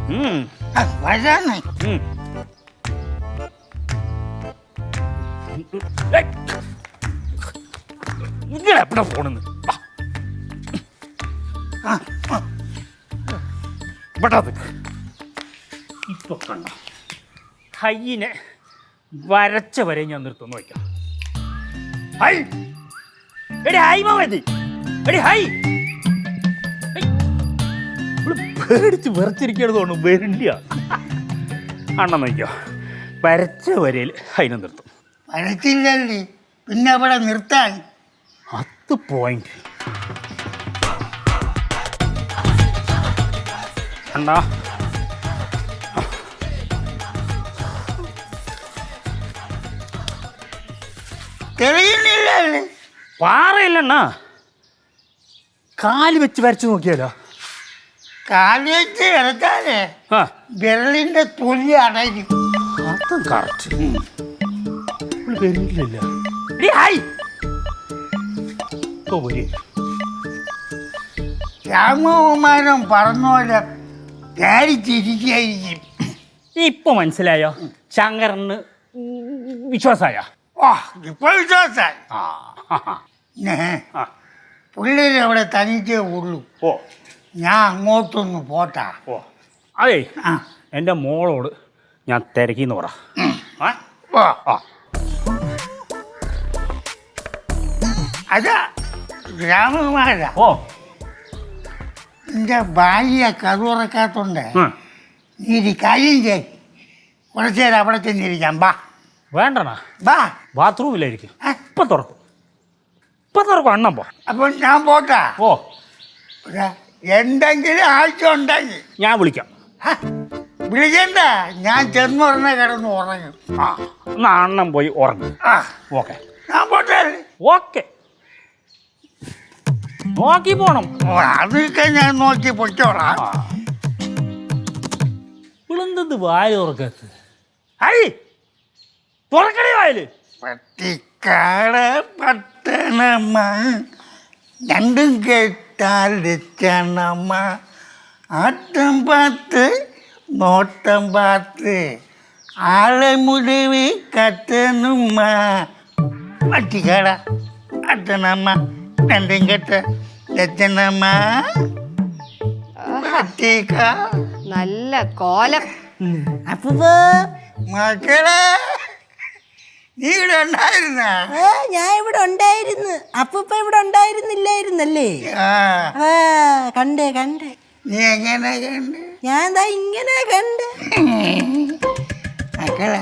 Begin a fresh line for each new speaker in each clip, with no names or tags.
വരാന്ന്
ഇങ്ങനെ എവിടെ പോണെന്ന് ഇവിടെ ഇപ്പൊ കണ്ട കയ്യിനെ വരച്ച വരെ ഞാൻ നിർത്തുന്നു വയ്ക്കാം. ഹൈ എടി ഹൈ മാമതി എടി ഹൈ പേടിച്ച് വിറച്ചിരിക്കണത് തോന്നുന്നു വരില്ല. അണ്ണൻ നോക്കിയോ വരച്ച വരയിൽ അതിനെ നിർത്തും.
വരച്ചില്ലല്ലേ പിന്നെ അവിടെ നിർത്താൻ
10 പോയിന്റ്. അണ്ണാ
തെളിയുന്നില്ലല്ലേ?
പാറയില്ലണ്ണാ കാല് വെച്ച് വരച്ചു നോക്കിയാലോ?
കാല് വെച്ച് കിടത്താലേ വിരലിന്റെ തൊലി അടയും.
അതും കറക്റ്റ്. വരില്ല.
രാമകുമാരൻ പറഞ്ഞ പോലെ ധാരിച്ചിരിക്കും.
ഇപ്പൊ മനസ്സിലായോ ശങ്കരന് വിശ്വാസായ?
ഇപ്പൊ വിശ്വാസായി. പിള്ളേര് അവിടെ തനിച്ചേ ഉള്ളൂ. ഞാൻ അങ്ങോട്ടൊന്ന് പോട്ടാ.
അതെ എൻ്റെ മോളോട് ഞാൻ തിരക്കിന്ന് പറ.
അതാ രാമകുമാര എന്റെ ഭാര്യ കറുറക്കാത്തോണ്ട് നീ ഒരു കാര്യം ചെയ്. കുറച്ചു നേരം അവിടെ ചെന്നിരിക്കാം. ബാ.
വേണ്ടണ
ബാ.
ബാത്റൂമിലായിരിക്കും. ഇപ്പൊ തുറക്കും അണ്ണം പോ.
അപ്പൊ ഞാൻ പോട്ടാ. എന്തെങ്കിലും ആവശ്യം ഉണ്ടെങ്കിൽ
ഞാൻ വിളിക്കാം.
വിളിക്കണ്ട, ഞാൻ ചെന്നുടനെ കിടന്ന് ഉറങ്ങും.
എന്നാ അണ്ണം പോയി ഉറങ്ങും. ഓക്കെ
ഞാൻ പോട്ടെ.
ഓക്കെ നോക്കി പോണം.
അതൊക്കെ ഞാൻ നോക്കി പൊയ്ക്കോളാം.
ഇളന്തത് വായ തുറക്കത്ത് തുറക്കണേ വായല്.
പട്ടിക്കാട് പട്ടണമ്മ രണ്ടും കേട്ടാൽ രക്ഷണമ്മ ആട്ടം പാത്ത് നോട്ടം പാത്ത് ആളെ മുടിവ് കത്തനുമ്മ പട്ടിക്കാട പട്ടണമ്മ രണ്ടും കേട്ട രക്ഷണമ്മ പട്ടിക്ക
നല്ല കോലം.
അപ്പൂപ്പ മക്കളെ നീ ഇവിടെ ഉണ്ടായിരുന്ന?
ഞാൻ ഇവിടെ ഉണ്ടായിരുന്നു. അപ്പൂപ്പ ഇവിടെ ഉണ്ടായിരുന്നില്ലായിരുന്നല്ലേ? കണ്ടേ കണ്ടേ.
നീ എങ്ങനെ കണ്ട്?
ഞാൻ എന്താ ഇങ്ങനെ കണ്ട്.
മക്കളെ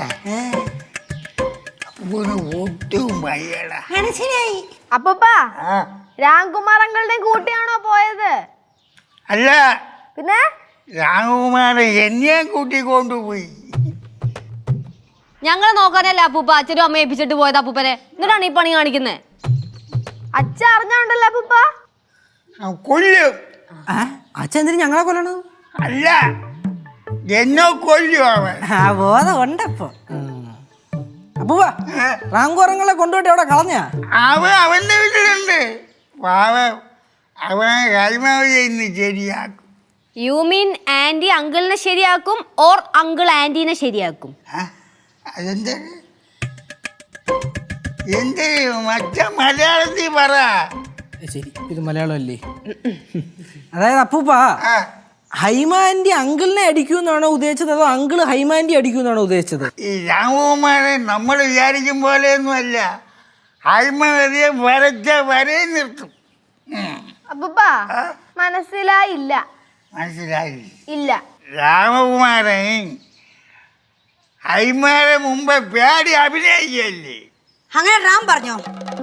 അപ്പൂന് ഒട്ടും വയ്യടാ.
മനസ്സിലായി.
അപ്പൂപ്പാ രാംകുമാർ അങ്കിളുടെ കൂട്ടിയാണോ പോയത്?
അല്ല,
പിന്നെ
രാമകുമാരൻ എന്നെ കൂട്ടിക്കൊണ്ടുപോയി.
ഞങ്ങളെ നോക്കാനല്ല അപ്പൂപ്പ അച്ഛനും അമ്മയെ ഏൽപ്പിച്ചിട്ട് പോയത് അപ്പൂപ്പനെ. എന്നിട്ടാണ് ഈ പണി കാണിക്കുന്നത്. അച്ഛ അറിഞ്ഞോണ്ടല്ലോ അപ്പൂപ്പ.
കൊല്ലും.
അച്ഛൻ എന്തിനും ഞങ്ങളെ കൊല്ലണം?
അല്ല, എന്നെ കൊല്ലും അവൻ.
ബോധം ഉണ്ടപ്പോ. അപ്പൂപ്പ റാങ്കുറങ്ങളെ കൊണ്ടുപോയിട്ട് അവിടെ കളഞ്ഞ?
അവന്റെ വീട്ടിലുണ്ട്. പാവം അവൻ കൈമാവി ഇന്ന് ശരിയാക്കും.
യു മീൻ ആന്റി അങ്കിളിനെ ശരിയാക്കും ഓർ അങ്കിൾ ആന്റീനെ ശരിയാക്കും?
അതെന്താ എന്ത് മറ്റ മലയാളത്തിൽ പറ.
ശരി, ഇത് മലയാളമല്ലേ? അതായത് അപ്പൂപ്പ ഹൈമാൻഡി അങ്കിളിനെ അടിക്കൂന്നാണോ ഉദ്ദേശിച്ചത്, അതോ അങ്കിള് ഹൈമാൻഡി അടിക്കൂന്നാണോ ഉദ്ദേശിച്ചത്?
ഈ രാമകുമാരൻ നമ്മൾ വിചാരിക്കും പോലെയൊന്നുമല്ല. ഹൈമാരിയെ വരച്ച വരെ നിർത്തും.
അപ്പൂപ്പ മനസ്സിലായില്ല.
മനസ്സിലായി
ഇല്ല.
രാമകുമാരൻ ഹൈമാരെ മുമ്പ് പേടി അഭിനയിക്കല്ലേ?
അങ്ങനെ റാം പറഞ്ഞോ?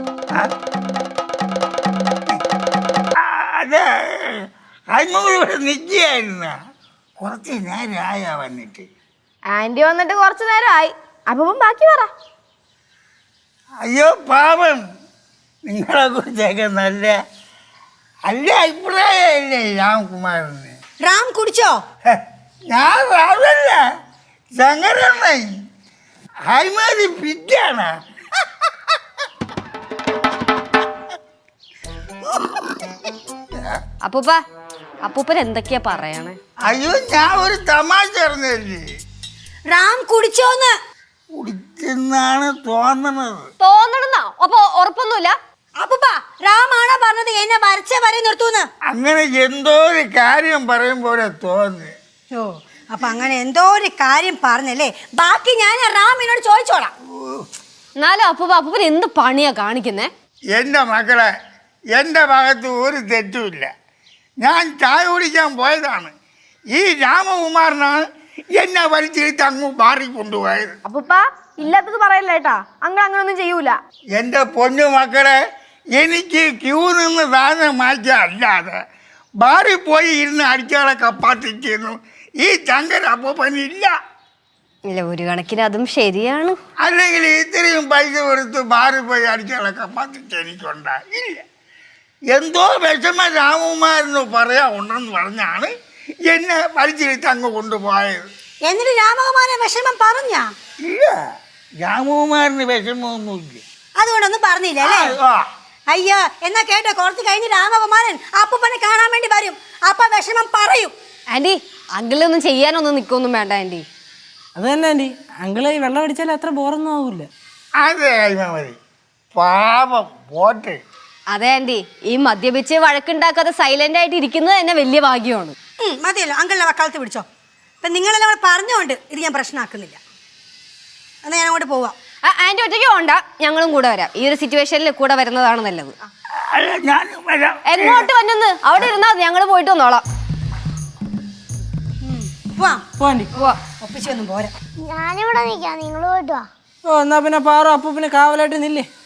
അത് ഹൈമൂടെ നിൽക്കുകയായിരുന്ന കുറച്ച് നേരമായ വന്നിട്ട്.
ആന്റി വന്നിട്ട് കുറച്ചു നേരമായി. അപ്പം ബാക്കി പറ.
അയ്യോ പാപം, നിങ്ങളെ കുറിച്ചൊക്കെ നല്ല അഭിപ്രായമല്ലേ രാംകുമാരന്?
റാം കുടിച്ചോ?
ഞാൻ റാമല്ല, ശങ്കരണ്ണൻ. ഹൈമാരി പിറ്റാണ്.
അപ്പൂപ്പ അപ്പൂപ്പൻ എന്തൊക്കെയാ പറയണേ?
അയ്യോ ഞാൻ ഒരു തമാശ പറഞ്ഞല്ലേ.
റാം കുടിച്ചോന്ന്?
കുടിച്ചെന്നാണ് തോന്നണത്.
തോന്നണെന്നാ? അപ്പൊ ഉറപ്പൊന്നുമില്ല?
അപ്പൂപ്പ റാമാണോ പറഞ്ഞത് എന്നെ വരച്ച വരെ നിർത്തൂന്ന്?
അങ്ങനെ എന്തോ ഒരു കാര്യം പറയുമ്പോലെ തോന്നി.
ഓ അപ്പൊ അങ്ങനെ എന്തോ ഒരു കാര്യം പറഞ്ഞല്ലേ, ബാക്കി ഞാൻ റാമിനോട് ചോദിച്ചോളാം.
എന്നാലും അപ്പൂപ്പൻ എന്ത് പണിയാ കാണിക്കുന്നേ?
എൻ്റെ മക്കളെ, എൻ്റെ ഭാഗത്ത് ഒരു തെറ്റുമില്ല. ഞാൻ ചായ കുടിക്കാൻ പോയതാണ്. ഈ രാമകുമാരനാണ് എന്നെ വലിച്ചെടുത്ത് അങ്ങ് മാറി കൊണ്ടുപോയത്.
അപ്പൂപ്പ ഇല്ലാത്തത് പറയല്ല കേട്ടാ, അങ്ങനൊന്നും ചെയ്യൂല.
എൻ്റെ പൊന്നു മക്കളെ, എനിക്ക് ക്യൂ നിന്ന് സാധനം മാറ്റിയ അല്ലാതെ ബാറിൽ പോയി ഇരുന്ന് അടിച്ചാളെ കപ്പാത്തിക്കുന്നു ഈ ചങ്കര അപ്പൂപ്പനില്ല.
ഇല്ല, ഒരു കണക്കിന് അതും ശരിയാണ്.
അല്ലെങ്കിൽ ഇത്രയും പൈസ കൊടുത്ത് ബാറിൽ പോയി അടിച്ചാളെ കപ്പാത്തിച്ച് എനിക്കുണ്ടാ ഇല്ല. എന്തോ വിഷമ രാമകുമാരന് ഉണ്ടെന്ന് പറഞ്ഞാണ് എന്നെ വലിച്ചെടുത്ത് അങ്ങ് കൊണ്ടുപോയത്.
എന്നിട്ട് രാമകുമാരൻ വിഷമം പറഞ്ഞ?
ഇല്ല, രാമകുമാരന് വിഷമമൊന്നുമില്ല.
അതുകൊണ്ടൊന്നും പറഞ്ഞില്ല അല്ലേ? അയ്യോ എന്നാ കേട്ടോ, കുറച്ച് കഴിഞ്ഞ് രാമകുമാരൻ അപ്പൂപ്പനെ കാണാൻ വേണ്ടി വരും. അപ്പൊ വിഷമം പറയും.
ആന്റി, അങ്കിളൊന്നും ചെയ്യാനൊന്നും നിൽക്കൊന്നും വേണ്ട ആന്റി.
അത് തന്നെ ആന്റി, അങ്കിള് ഈ വെള്ളം അടിച്ചാൽ അത്ര ബോറൊന്നും ആവൂല.
അതെ കൈമാമതി, പാപം പോട്ടെ.
അതെ ആന്റി, ഈ മദ്യപിച്ച് വഴക്കുണ്ടാക്കാതെ സൈലന്റ് ആയിട്ട് ഇരിക്കുന്നത് തന്നെ വലിയ ഭാഗ്യമാണ്.
മതിയല്ലോ, അങ്കിളിനെ വക്കാലത്ത് പിടിച്ചോ. ഇപ്പൊ നിങ്ങളെല്ലാം കൂടെ പറഞ്ഞുകൊണ്ട് ഇത് ഞാൻ പ്രശ്നമാക്കുന്നില്ല. എന്നാ ഞാൻ അങ്ങോട്ട് പോവാം.
ആന്റി ഒറ്റയ്ക്ക് പോണ്ട, ഞങ്ങളും കൂടെ വരാം. ഈ ഒരു സിറ്റുവേഷനിൽ കൂടെ വരുന്നതാണ് നല്ലത്.
അല്ല ഞാൻ വരാം.
എങ്ങോട്ട് വന്നെന്ന് അവിടെ ഇരുന്നാ ഞങ്ങൾ പോയിട്ട് വന്നോളാം.
പോവാം. പോവാണ്ടി
പോവാ.
ഒപ്പിച്ചൊന്നും പോരാ.
ഞാനിവിടെ നിൽക്കാം, നിങ്ങൾ പോയിട്ട് വാ.
ഓ എന്നാ പിന്നെ പാറു അപ്പൂപ്പിന് കാവലായിട്ട് നില്ലേ.